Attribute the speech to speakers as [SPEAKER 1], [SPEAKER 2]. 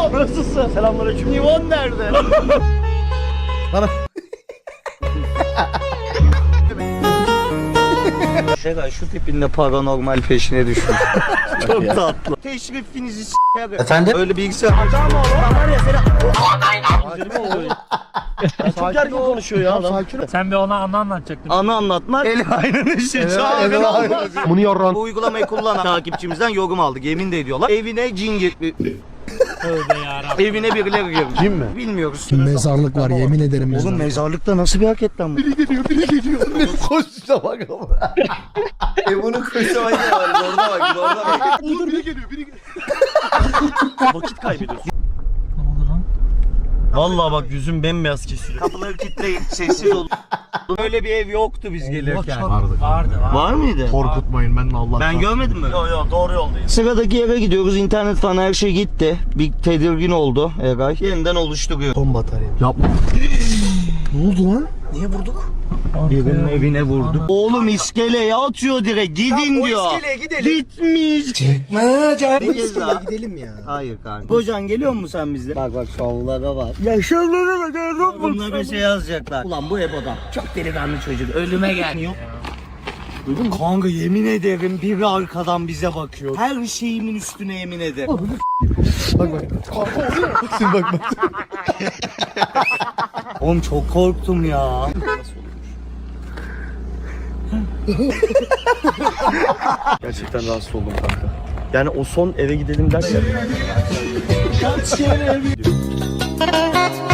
[SPEAKER 1] Nivon. Nasılsın? Selamünaleyküm. Nivon nerede?
[SPEAKER 2] Bana.
[SPEAKER 1] Şeray şu tipinle paranormal peşine düşmüş. Çok tatlı. Teşrifinizi s**erim.
[SPEAKER 2] Efendim?
[SPEAKER 1] Öyle bilgisayar harcama oğlum. Var ya seni. Çok gergin konuşuyor ya adam.
[SPEAKER 2] Sakin ol.
[SPEAKER 3] Sen bir ona anı anlatacaktın.
[SPEAKER 1] Anı anlatmak. El aynen işi. Çağırın olmaz.
[SPEAKER 2] Bunu yorran.
[SPEAKER 1] Bu uygulamayı kullanan takipçimizden yorum aldık. Yemin de ediyorlar. Evine cin girmiş.
[SPEAKER 3] Tövbe yarabbim.
[SPEAKER 1] Evine birileri girmiş.
[SPEAKER 2] Kim mi?
[SPEAKER 1] Bilmiyoruz.
[SPEAKER 4] Mezarlık var yemin ederim
[SPEAKER 1] Oğlum
[SPEAKER 4] mezarlık.
[SPEAKER 1] mezarlıkta nasıl bir hareket lan bu?
[SPEAKER 2] Biri geliyor. Koşuşa bak ama.
[SPEAKER 5] Bunun koşamayı var. Orada bak, orada bak.
[SPEAKER 2] Dur biri geliyor.
[SPEAKER 1] Vakit kaybediyorsun.
[SPEAKER 3] Ne oldu lan?
[SPEAKER 1] Vallahi bak yüzüm bembeyaz kesiliyor. Kapıları kilitleyin, sessiz olun. Böyle bir ev yoktu biz gelirken.
[SPEAKER 2] Vardı.
[SPEAKER 3] Vardı.
[SPEAKER 1] Var mıydı?
[SPEAKER 2] Korkutmayın ben de Allah.
[SPEAKER 1] Ben görmedim mi? Yok yok doğru yoldayız. Sıradaki yere gidiyoruz. İnternet falan her şey gitti. Bir tedirgin oldu Eray. Yeniden oluşturuyor.
[SPEAKER 4] Son batarya.
[SPEAKER 2] Yapma.
[SPEAKER 4] Ne oldu lan?
[SPEAKER 1] Niye vurduk? Birinin evine vurduk. Oğlum iskeleye atıyor direkt. Gidin diyor.
[SPEAKER 5] iskeleye gidelim.
[SPEAKER 1] Gitmiş. Bir kez daha.
[SPEAKER 4] Gidelim ya.
[SPEAKER 1] Hayır kanka. Kocan geliyor mu sen bizle? Bak bak şovlara bak. Ya şovlara bak. Bunlar bir şey yazacaklar. Ulan bu Ebo'dan. Çok delikanlı çocuk. Ölüme gel. Yok. Duydun mu? Kanka yemin ederim biri arkadan bize bakıyor. Her şeyimin üstüne yemin ederim.
[SPEAKER 2] Bak. Şimdi bak.
[SPEAKER 1] Oğlum çok korktum ya.
[SPEAKER 5] Gerçekten rahatsız oldum kanka. Yani o son eve gidelim derken.
[SPEAKER 1] Kaç kere